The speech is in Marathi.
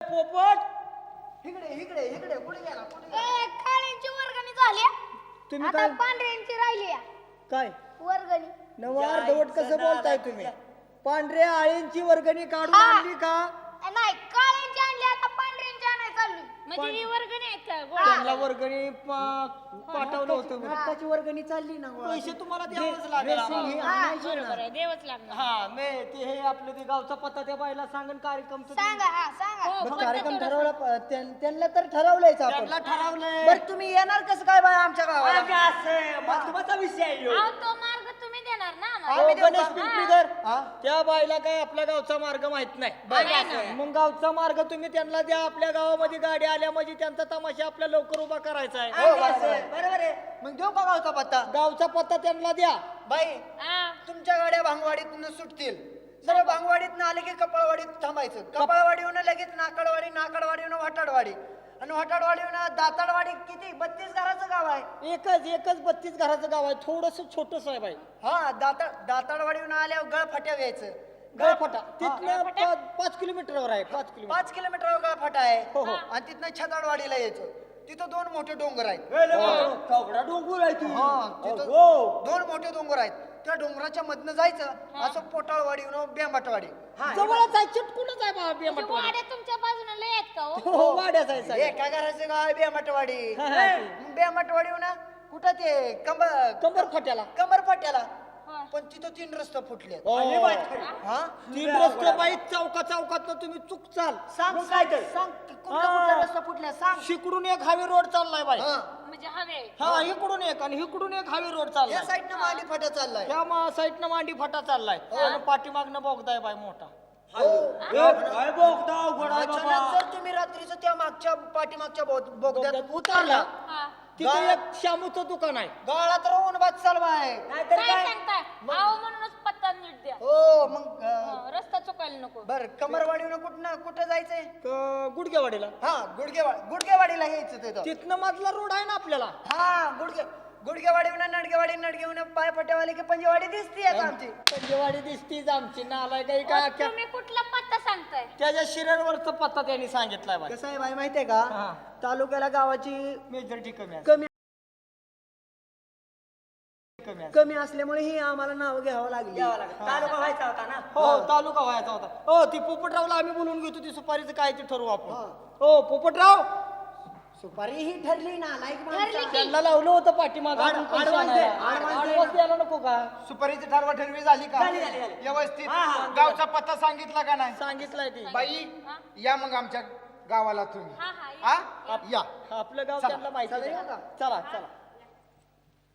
पोपट इकडे इकडे इकडे कुठे गेला काळ्यांची वर्गणी झाली तुम्ही आता काय पांढऱ्यांची राहिली काय वर्गणी नवा अर्धवट कसं बोलताय तुम्ही पांढऱ्या आळींची वर्गणी काढून आणली का नाही काळ्यांची आणली आता पांढऱ्यांची आणायला चालली म्हणजे ही वर्गणी आहेत का त्यांना वर्गणी पाठवलं होतं नाटकाची वर्गणी चालली ना पैसे तुम्हाला द्यावंच लागेल आम्हाला. बरोबर आहे देवच लागणार हा मी ते हे आपलं ते गावचा पत्ता त्या बाईला सांगन कार्यक्रम सांगा हा सांगा हो, मग कार्यक्रम ठरवला त्यांना तर ठरवलंयच आपण त्यांना ठरवलंय बरं तुम्ही येणार कसं काय बाय आमच्या गावाला महत्वाचा विषय आहे ह्यो. अहो, तो मार्ग तुम्ही देणार ना आम्हाला. हो, गणेश पिंपरीकर हा? त्या बाईला काय आपल्या गावचा मार्ग माहित नाही नाही ना. मग गावचा मार्ग तुम्ही त्यांना द्या आपल्या गावामध्ये गाडी आल्या म्हणजे त्यांचा तमाशा आपल्या लवकर उभा करायचा आहे हो बरोबर आहे मग देऊ का गावचा पत्ता गावचा पत्ता त्यांना द्या बाई हा. तुमच्या गाड्या भांगवाडीतून सुटतील जर भांगवाडीत आले की कपाळवाडीत थांबायचं कपाळवाडीहून लगेच नाकडवाडी नाकडवाडीहून वाटाडवाडी आणि वाटाडवाडीहून दाताडवाडी किती 32 घराचं गाव आहे एकच 32 घराचं गाव आहे थोडस छोटस आहे बाई हा दाताडवाडीहून आल्यावर गळफाट्या व्यायचं गळफटा तिथनं 5 किलोमीटरवर आहे 5 किलोमीटर 5 किलोमीटरवर गळफाटा आहे हो, हो. आणि तिथनं छताडवाडीला यायचं तिथं 2 मोठे डोंगर आहेत कवडा डोंगर आहे हा, तिथं हो. 2 मोठे डोंगर आहेत त्या डोंगराच्या मधनं जायचं असं पोटाळवाडी बेंबाटवाडी जवळच आहे चिटकूनच आहे बाबा म्हणजे बेमटवाडी वाड्या तुमच्या बाजूला लय आहेत का हो? हो वाड्याच आहे साहेब. एका घराचं गाव आहे बेंबाटवाडी हा, हा. बेंबाटवाडी ना कुठं ते कंबर फट्याला कमर फाट्याला हा. पण तिथं 3 रस्ते फुटले हो. हा 3 रस्ते बाई चौकात तुम्ही चुकचाल सांग सांग कुठला रस्ता फुटल्या सांग शिकडून एक हायवे रोड चाललाय बाई हा. म्हणजे हवे हा इकडून एक आणि इकडून एक हायवे रोड या चाललाय साईडनं मांडी फाट्या चाललाय त्या साईडनं मांडी फटा चाललाय आणि पाठीमागनं बोगदाय बाई मोठा अचानक जर तुम्ही रात्रीचं त्या मागच्या पाठीमागच्या बोगद्यात उतरला हा. तिथे एक शामूचं दुकान आहे गाळा तर ऊन बाद चालवा आहे काय सांगताय अहो म्हणूनच पत्ता नीट द्या हो मग हा, रस्ता चुकायला नको बर कमरवाडीनं कुठं जायचंय गुडगेवाडीला हा गुडगेवाडीला यायचं तिथं तिथनं मधला रोड आहे ना आपल्याला हा गुडगेवाडीहून नडगेवाडी पाय पट्यावाली की पंजेवाडी दिसती आता आमची पंजेवाडी दिसतीच आमची नालाय काही काय अहो, तुम्ही कुठला पत्ता सांगताय त्याच्या शिरेवरचा पत्ता त्यांनी सांगितलाय बाई कसं आहे बाई माहितीये का हा. तालुक्याला गावाची मेजॉरिटी कमी आहे कमी कमी आहे कमी असल्यामुळे ही आम्हाला नाव घ्यावं लागली तालुका व्हायचा होता ना हो तालुका व्हायचा होता हो ती पोपटरावला आम्ही बोलून घेतो ती सुपारीचं काय ते ठरवू आपण हो पोपटराव सुपारी ही ठरली ना लाईक त्यांना लावलं होतं पाठीमाग advance द्यायला नको का सुपारीची ठरवी झाली का व्यवस्थित गावचा पत्ता सांगितला का नाही सांगितलंय ती बाई या मग आमच्या गावाला तुम्ही हा हा हा या आपलं गाव त्यांना माहिती आहे. चला चला